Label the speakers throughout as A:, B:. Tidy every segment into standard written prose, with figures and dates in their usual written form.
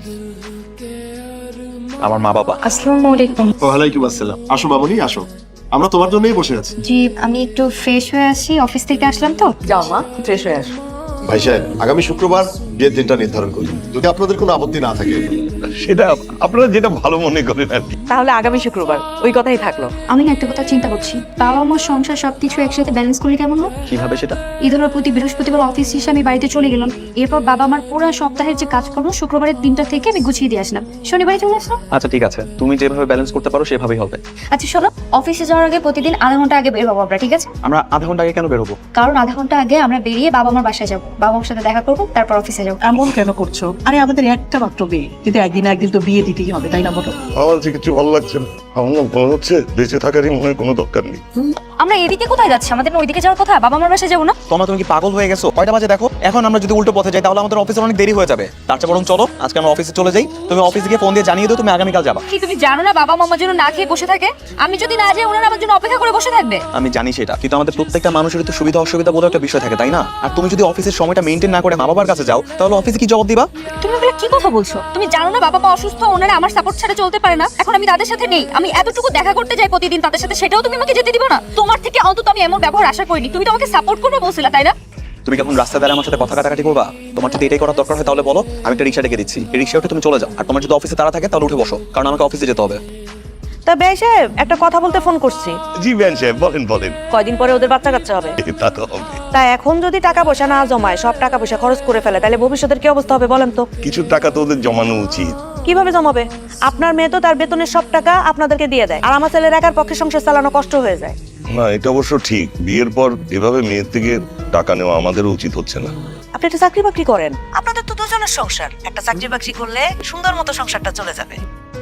A: আমার মা বাবা।
B: আসসালামু আলাইকুম।
C: ওয়ালাইকুম আসসালাম। আসো মামুনি, আসো, আমরা তোমার জন্যই বসে আছি।
B: জি, আমি একটু ফ্রেশ হয়ে আসি, অফিস থেকে আসলাম তো।
D: যাও মা, ফ্রেশ হয়ে আসো।
C: ভাই সাহেব, আগামী শুক্রবার বিয়ের দিনটা নির্ধারণ করি, যদি আপনাদের কোনো আপত্তি না থাকে।
E: সেটা আপনারা যেটা ভালো মনে করেন আর কি।
D: তাহলে আগামী শুক্রবার ওই কথাই থাকলো।
B: আমি না একটা কথা চিন্তা করছি, বাবা আমার সংসার সবকিছু একসাথে ব্যালেন্স করলে কেমন হয়?
A: কিভাবে সেটা?
B: ঈদের প্রতি বৃহস্পতিবার অফিস শেষে আমি বাড়িতে চলে গেলাম, এরপর বাবা আমার পুরো সপ্তাহের যে কাজকর্ম শুক্রবারের দিনটা থেকে আমি গুছিয়ে দিয়ে আসলাম, শনিবারে চলে আসলাম।
A: আচ্ছা ঠিক আছে, তুমি যেভাবে ব্যালেন্স করতে পারো সেভাবেই হবে।
B: আচ্ছা শোনো, অফিসে যাওয়ার আগে প্রতিদিন আধা ঘন্টা আগে বের হবো আমরা, ঠিক আছে?
A: আমরা আধা ঘন্টা আগে কেন বের হবো?
B: কারণ আধা ঘন্টা আগে আমরা বেরিয়ে বাবা আমার বাসায় যাবো, বাবা আমার সাথে দেখা করবো, তারপর অফিসে যাবো।
D: এমন কেন করছো? আরে আমাদের একটা মাত্র বিয়ে, কিন্তু একদিন একদিন তো বিয়ে দিতেই হবে, তাই না বলো?
E: আমার যে কিছু ভালো লাগছে না। আমার না মনে হচ্ছে বেঁচে থাকারই মনে হয় কোনো দরকার নেই।
B: আমরা এদিকে কোথায় যাচ্ছি? আমাদের না ওইদিকে যাওয়ার কথা, বাবা আমার বাসায় যাবো না?
A: তুমি কি পাগল হয়ে গেছো? কয়টা বাজে দেখো। এখন আমরা যদি উল্টো পথে যাই তাহলে আমাদের অফিসে অনেক দেরি হয়ে যাবে। তার চেয়ে বরং চলো আজকে আমরা অফিসে চলে যাই। তুমি অফিসে গিয়ে ফোন দিয়ে জানিয়ে দাও তুমি আগামীকাল যাবা।
B: কি তুমি জানো না বাবা মামার জন্য না খেয়ে বসে থাকে? আমি যদি না যাই ওনারা আমার জন্য অপেক্ষা করে বসে থাকবে।
A: আমি জানি সেটা, কিন্তু আমাদের প্রত্যেকটা মানুষের তো সুবিধা অসুবিধা বলে একটা বিষয় থাকে, তাই না? আর তুমি যদি অফিসের সময়টা মেইনটেইন না করে মা বাবার কাছে যাও তাহলে অফিসে কি জবাব দিবা?
B: তুমি এগুলো কি কথা বলছো? তুমি জানো না বাবা মা অসুস্থ, ওনারা আমার সাপোর্ট ছাড়া চলতে পারে না। এখন আমি তাদের সাথে নেই, আমি এতটুকু দেখা করতে যাই প্রতিদিন তাদের সাথে, সেটাও তুমি আমাকে যেতে দিবা না? তোমার থেকে অন্তত আমি এমন ব্যবহার আশা করিনি। তুমি তো আমাকে সাপোর্ট করবে বলছিলা, তাই না?
A: তুমি যখন রাস্তা দ্বারা আমার সাথে কথা কাটাকাটি করবা, তোমার যদি এটাই করার দরকার হয় তাহলে বলো, আমি একটা রিক্সা ডেকে দিচ্ছি, এই রিক্সা উঠে তুমি চলে যাও। আর তোমার যদি অফিসে তাড়া থাকে তাহলে উঠে বসো, কারণ আমাকে অফিসে যেতে হবে।
F: তা বেশ সাহেব, একটা কথা বলতে ফোন করছি।
E: জি ব্যান সাহেব, বলেন বলেন।
F: কয়দিন পরে ওদের বাচ্চা কাচ্চা হবে,
E: তা তো হবে।
F: তা এখন যদি টাকা পয়সা না জমায়, সব টাকা পয়সা খরচ করে ফেলে, তাহলে ভবিষ্যতের কি অবস্থা হবে বলেন তো?
E: কিছু টাকা তো ওদের জমানো উচিত।
F: কিভাবে জমাবে? আপনার মেয়ে তো তার বেতনের সব টাকা আপনাদেরকে দিয়ে দেয়, আর আমার ছেলের একার পক্ষে সংসার চালানো কষ্ট হয়ে যায়।
E: না, এটা অবশ্য ঠিক। বিয়ের পর এভাবে মেয়ের থেকে টাকা নেওয়া আমাদেরও উচিত হচ্ছে না।
F: আপনি একটা চাকরি বাকরি করেন, আপনাদের তো দুজনের সংসার, একটা চাকরি বাকরি করলে সুন্দর মতো সংসারটা চলে যাবে।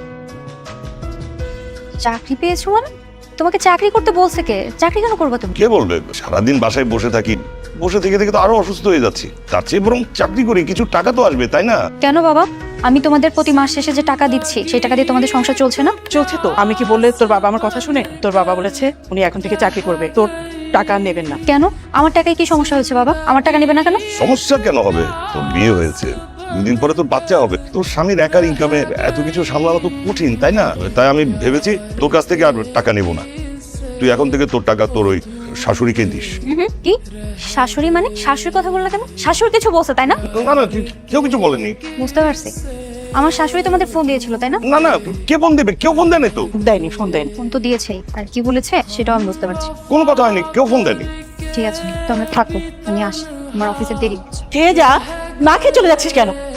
B: চাকরি পেয়েছো মানে? তোমাকে চাকরি করতে বলছে কে? চাকরি কেন করবে তুমি?
E: কে বলবে? সারাদিন বাসায় বসে থাকি, বসে থেকে থেকে তো আরো অসুস্থ হয়ে যাচ্ছি। তার চেয়ে বরং চাকরি করি, কিছু টাকা তো আসবে, তাই না?
B: কেন বাবা? আমি তোমাদের প্রতি মাস শেষে যে টাকা দিচ্ছি সেই টাকা দিয়ে তোমাদের সংসার চলছে না?
D: চলছে তো। আমি কি বললে তোর বাবা আমার কথা শুনে? তোর বাবা বলেছে উনি এখন থেকে চাকরি করবে, তোর টাকা নেবেন না।
B: কেন? আমার টাকায় কি সমস্যা হয়েছে বাবা? আমার টাকা নেবে না কেন?
E: সমস্যা কেন হবে? তোর বিয়ে হয়েছে, দুদিন পরে তোর বাচ্চা হবে, তোর স্বামীর একার ইনকামে এত কিছু সামলানো তো কঠিন, তাই না? তাই আমি ভেবেছি তোর কাছ থেকে আর টাকা নেব না। তুই এখন থেকে তোর টাকা তোর ওই শাশুড়িকে দিস।
B: কি শাশুড়ি মানে? শাশুড়ির কথা বললা কেন? শাশুড়ি কিছু বলছে তাই না?
E: না না, কেউ কিছু বলেনি।
B: বুঝতে পারছি, আমার শাশুড়ি তোমাদের ফোন দিয়েছিল তাই না?
E: না না, কে ফোন দেবে? কেউ ফোন দেয়নি তো।
D: দেয়নি, ফোন দেয়নি।
B: ফোন তো দিয়েছেই, আর কি বলেছে সেটাও আমি বুঝতে পারছি।
E: কোনো কথা হয়নি, কেউ ফোন দেয়নি।
B: ঠিক আছে তোমরা থাকো, আমি আসি, আমার অফিসের দেরি।
D: খেয়ে যা, না খেয়ে চলে যাচ্ছিস কেন?